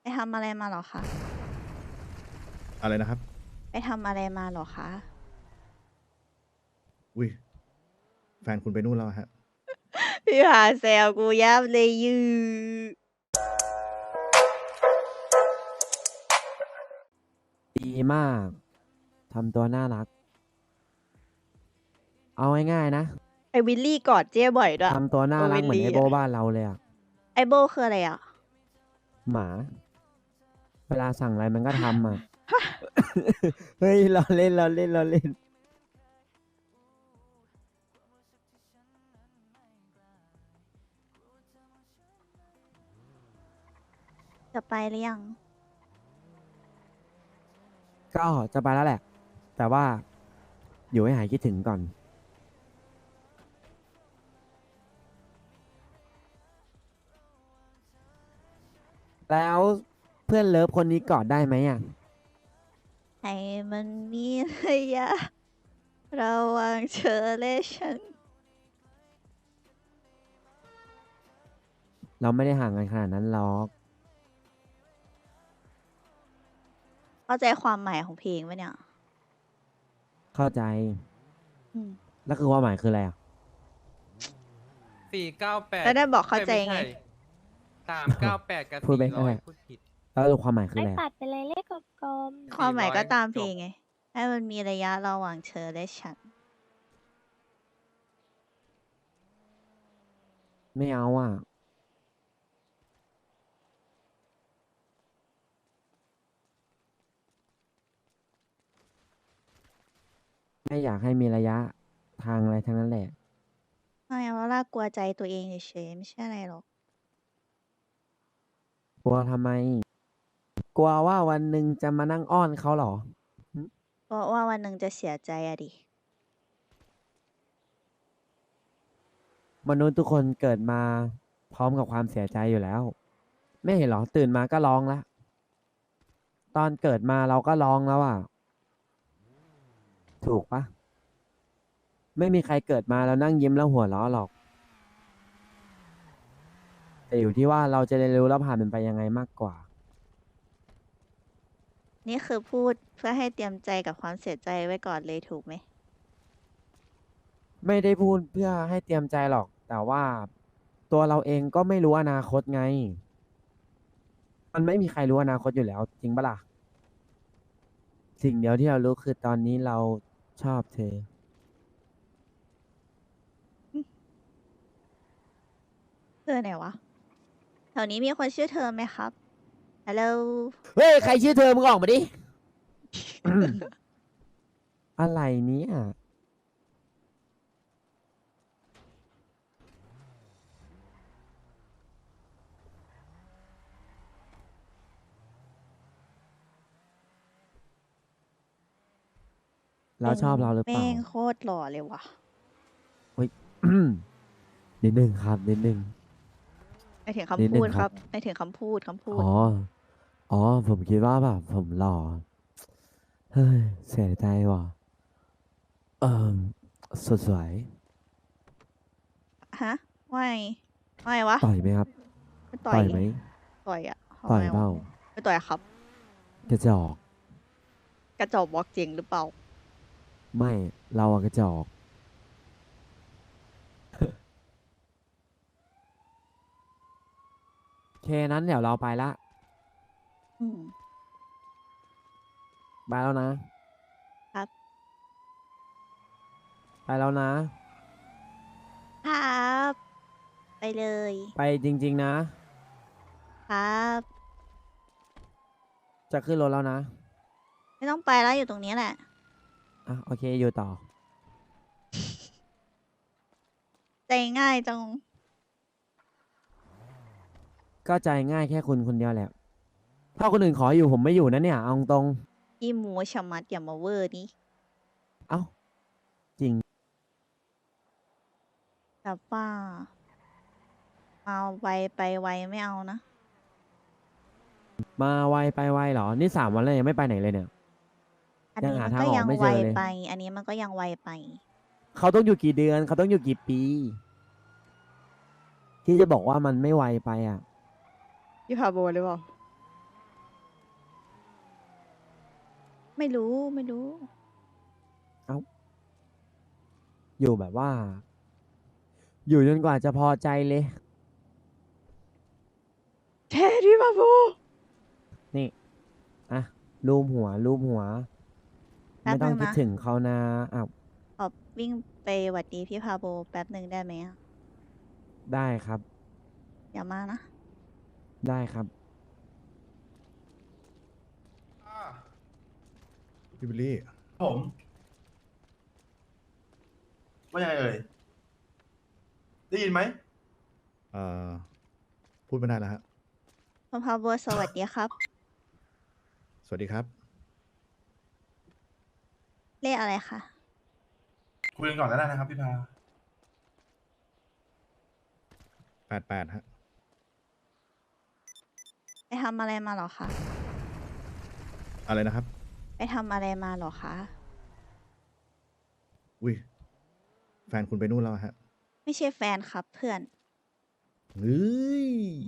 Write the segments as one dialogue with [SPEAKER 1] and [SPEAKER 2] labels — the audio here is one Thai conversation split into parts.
[SPEAKER 1] ไปทำอะไรมาเหรอคะ
[SPEAKER 2] อะไรนะครับ
[SPEAKER 1] ไปทำอะไรมาเหรอคะ
[SPEAKER 2] อุ้ยแฟนคุณไปนู่นแล้วฮะ
[SPEAKER 1] พี่หาแซวกูยับเลยยือ
[SPEAKER 3] ดีมาก ทำตัวน่ารัก เอาง่ายๆนะ
[SPEAKER 1] ไอวิลลี่กอดเจ้บ่อยด้วย
[SPEAKER 3] ทำตัวน่ารักเหมือนไอโบบ้านเราเลยอะ
[SPEAKER 1] ไอโบคืออะไรอ่ะ
[SPEAKER 3] หมา เวลาสั่งอะไรมันก็ทำอะ เฮ้ยเราเล่นเราเล่นเราเล่น
[SPEAKER 1] จะไปหรือยัง
[SPEAKER 3] ก็จะไปแล้วแหละ แต่ว่า อยู่ให้หายคิดถึงก่อน แล้วเพื่อนเลิฟคนนี้กอดได้ไหมอะ
[SPEAKER 1] ให้มันมีระยะระหว่างเธอและฉัน
[SPEAKER 3] เราไม่ได้ห่างกันขนาดนั้นหรอก
[SPEAKER 1] เข้าใจความหมายของเพลงไหมเนี่ย
[SPEAKER 3] เข้าใจ
[SPEAKER 1] อืม
[SPEAKER 3] แล้วคือความหมายคืออะไรอะ
[SPEAKER 4] 498
[SPEAKER 1] แล้วได้บอกเข้าใจไง
[SPEAKER 4] 398กับ
[SPEAKER 3] พูดไปก็ได้
[SPEAKER 4] 400พูดผิด
[SPEAKER 3] แล้วความหมายคือ
[SPEAKER 5] ไม่
[SPEAKER 3] อะไรอะ
[SPEAKER 5] ตัดไปเลยเลขกลม
[SPEAKER 1] ความหมายก็ตามเพลง
[SPEAKER 4] จบ
[SPEAKER 1] ไง ให้มันมีระยะระหว่างเธอและฉัน
[SPEAKER 3] ไม่เอาอ่ะ ไม่อยากให้มีระยะทางอะไรทั้งนั้นแหละ
[SPEAKER 1] ไม่เอาล่ากลัวใจตัวเองเฉยๆไม่ใช่อะไรหรอก
[SPEAKER 3] กลัวทำไม กลัวว่าวันหนึ่งจะมานั่งอ้อนเขาเหรอ
[SPEAKER 1] เพราะว่าวันหนึ่งจะเสียใจอะดิ
[SPEAKER 3] มนุษย์ทุกคนเกิดมาพร้อมกับความเสียใจอยู่แล้ว ไม่เห็นเหรอ ตื่นมาก็ร้องแล้ว ตอนเกิดมาเราก็ร้องแล้วอ่ะ ถูกปะไม่มีใครเกิดมาแล้วนั่งยิ้มแล้วหัวเราะหรอก แต่อยู่ที่ว่าเราจะเรียนรู้แล้วผ่านมันไปยังไงมากกว่า
[SPEAKER 1] นี่คือพูดเพื่อให้เตรียมใจกับความเสียใจไว้ก่อนเลยถูกไหม
[SPEAKER 3] ไม่ได้พูดเพื่อให้เตรียมใจหรอก แต่ว่าตัวเราเองก็ไม่รู้อนาคตไง มันไม่มีใครรู้อนาคตอยู่แล้ว จริงปะล่ะ สิ่งเดียวที่เรารู้คือตอนนี้เราชอบเธอ
[SPEAKER 1] เธอไหนวะ แถวนี้มีคนชื่อเธอไหมครับ ฮัลโหล
[SPEAKER 3] เฮ้ย ใครชื่อเธอมึงออกมาดิ อะไรเนี้ยเราชอบเราหรือเปล่า
[SPEAKER 1] แม่งโคตรหล่อเลยว่ะ
[SPEAKER 3] นิดนึงครับ นิดนึง
[SPEAKER 1] ไปถึง
[SPEAKER 3] นิด
[SPEAKER 1] คำ
[SPEAKER 3] นึ
[SPEAKER 1] พู
[SPEAKER 3] ง
[SPEAKER 1] ด
[SPEAKER 3] ค
[SPEAKER 1] ค
[SPEAKER 3] รั
[SPEAKER 1] รับ บไปถึงคำพูด
[SPEAKER 3] อ๋อ อ๋อ ผมคิดว่าแบบผมหล่อ เฮ้ย เสียใจว่ะ เอ่อสดสวย
[SPEAKER 1] ฮะไม่ไม่วะ
[SPEAKER 3] ต่อยไหมครับ
[SPEAKER 1] ไม่ต่อ
[SPEAKER 3] ต่
[SPEAKER 1] ย
[SPEAKER 3] อยไหม
[SPEAKER 1] ต่อยอะทำ
[SPEAKER 3] ต่อย
[SPEAKER 1] ไม
[SPEAKER 3] เป
[SPEAKER 1] วะ
[SPEAKER 3] ล่า
[SPEAKER 1] ไม่ต่อยครับ
[SPEAKER 3] กระจอก
[SPEAKER 1] กระจอกบอกจริงหรือเปล่า
[SPEAKER 3] ไม่ เราอะกระจอก โอเคนั้นเดี๋ยวเราไปละ
[SPEAKER 1] อืม
[SPEAKER 3] ไปแล้วนะ
[SPEAKER 1] ครับ
[SPEAKER 3] ไปแล้วนะ
[SPEAKER 1] ครับ ไปเลย
[SPEAKER 3] ไปจริง ๆ นะ
[SPEAKER 1] ครับ
[SPEAKER 3] จะขึ้นรถแล้วนะ
[SPEAKER 1] ไม่ต้องไปแล้วอยู่ตรงนี้แหละ
[SPEAKER 3] อ่ะ โอเค อยู่ต่อ
[SPEAKER 1] ใจง่ายจัง
[SPEAKER 3] ก็ใจง่ายแค่คุณคนเดียวแหละ ถ้าคนอื่นขออยู่ผมไม่อยู่นะเนี่ย เอาตรง
[SPEAKER 1] อีหมูชะมัดอย่ามาเวอร์นี่
[SPEAKER 3] เอ้า จริง
[SPEAKER 1] แต่ว่าเอาไวไปไวไม่เอานะ
[SPEAKER 3] มาไวไปไวเหรอ นี่3 วันแล้วยังไม่ไปไหนเลยเนี่ย
[SPEAKER 1] อัน
[SPEAKER 3] ยัง
[SPEAKER 1] นี้
[SPEAKER 3] หา
[SPEAKER 1] มัน
[SPEAKER 3] ทาง
[SPEAKER 1] ก็
[SPEAKER 3] ออก
[SPEAKER 1] ยัง
[SPEAKER 3] ไม่
[SPEAKER 1] ไว
[SPEAKER 3] เจอเลย
[SPEAKER 1] ไป อันนี้มันก็ยังไวไป
[SPEAKER 3] เขาต้องอยู่กี่เดือน เขาต้องอยู่กี่ปี ที่จะบอกว่ามันไม่ไวไปอ่ะ
[SPEAKER 1] พี่พาโบหรือเปล่าไม่รู้ไม่รู้
[SPEAKER 3] อยู่แบบว่า อยู่จนกว่าจะพอใจเลย
[SPEAKER 1] เทดิบาบู
[SPEAKER 3] นี่อ่ะรูปหัวรูปหัว
[SPEAKER 1] แป๊บ
[SPEAKER 3] ไม่ต้อง
[SPEAKER 1] นึง
[SPEAKER 3] คิด
[SPEAKER 1] นะ
[SPEAKER 3] ถึงเขานะอ้าว
[SPEAKER 1] ขอวิ่งไปหวัดดีพี่พาโบแป๊บหนึ่งได้ไหมอะ
[SPEAKER 3] ได้ครับ
[SPEAKER 1] อย่ามานะ
[SPEAKER 3] ได้ครับ
[SPEAKER 2] พี่บิลลี่
[SPEAKER 5] ผมว่ายังไงเอ่ย ได้ยินไหม
[SPEAKER 2] เอ่อ พูดไม่ได้แล้วฮะ
[SPEAKER 1] คุณพาโบสวัสดีครับ
[SPEAKER 2] สวัสดีครับ
[SPEAKER 1] เลขอะไรคะ
[SPEAKER 5] คุยกันก่อนแล้วนะครับพี่พา
[SPEAKER 2] 88ฮะ
[SPEAKER 1] ไปทำอะไรมาเหรอคะ
[SPEAKER 2] อะไรนะครับ
[SPEAKER 1] ไปทำอะไรมาเหรอคะ
[SPEAKER 2] อุ้ย แฟนคุณไปนู่นแล้วฮะ
[SPEAKER 1] ไม่ใช่แฟนครับเพื่อน
[SPEAKER 2] เฮ้ย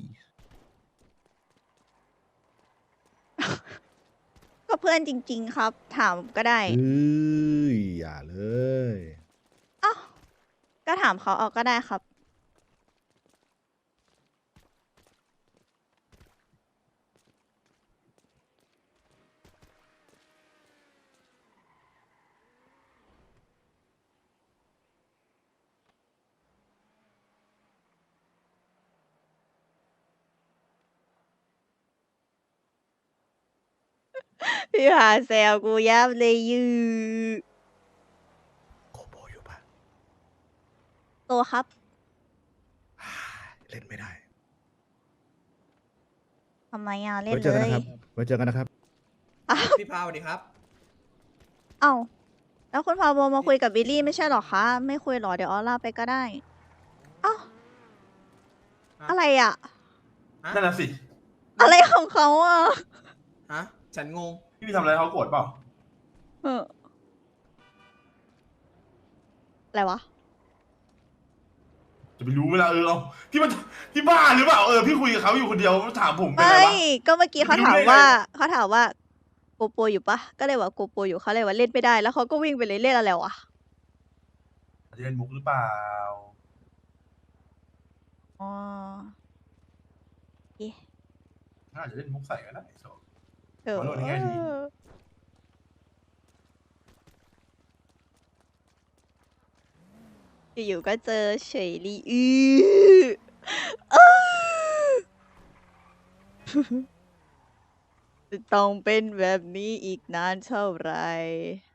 [SPEAKER 1] ก็เพื่อนจริง ๆ ครับ ถามก็ได้
[SPEAKER 2] เฮ้ย อย่าเลย
[SPEAKER 1] อ้าวก็ถามเขาเอาก็ได้ครับ พี่หาแซวกูยับเลยยือ
[SPEAKER 2] โคโบอยู่ปะ
[SPEAKER 1] โตครับ
[SPEAKER 2] เล่นไม่ได้
[SPEAKER 1] ทำไมอ่ะเล่น
[SPEAKER 2] ไว้เจ
[SPEAKER 1] เล
[SPEAKER 2] อกัน
[SPEAKER 1] ย
[SPEAKER 2] นะครับ ไว้เจอกันนะครับ
[SPEAKER 4] พี่พาวสวัสดีครับ
[SPEAKER 1] เอ้าแล้วคุณพาโบมาคุยกับบิลลี่ไม่ใช่เหรอคะ ไม่คุยเหรอ เดี๋ยวออลาไปก็ได้ เอ้า
[SPEAKER 4] ฮะ
[SPEAKER 1] อะไรอ่ะ
[SPEAKER 5] นั่นน่ะสิ
[SPEAKER 1] อะไรของเขาอ่ะ
[SPEAKER 4] ฮะ ฉันงง
[SPEAKER 5] พี่ทำอะไรเขาโกรธเปล่า
[SPEAKER 1] เอออะไรวะ
[SPEAKER 5] จะไปรู้เวลาเอาพี่มันพี่บ้าหรือเปล่า พี่คุยกับเขาอยู่คนเดียวถามผมเป็น
[SPEAKER 1] ไม่
[SPEAKER 5] ไรวะ
[SPEAKER 1] ก็เมื่อกี้เขา
[SPEAKER 5] ไม่รู้
[SPEAKER 1] ถาม
[SPEAKER 5] ได้ไง
[SPEAKER 1] ว่าเขาถามว่าโกโปรอยู่ปะก็เลยว่าโกโปรอยู่เขาเลยว่าเล่นไม่ได้ แล้วเขาก็วิ่งไปเลยเล่นอะไรวะ
[SPEAKER 5] อาจจะเล่นมุกหรือเปล่า
[SPEAKER 1] อ๋อเอ๊ะ
[SPEAKER 5] อาจจะเล่นมุกใส่ก็ได้โซ
[SPEAKER 1] เออ
[SPEAKER 5] ขอโทษในแง่ดี
[SPEAKER 1] อยู่ๆก็เจอเฉยลีอ้อจะต้องเป็นแบบนี้อีกนานเท่าไหร่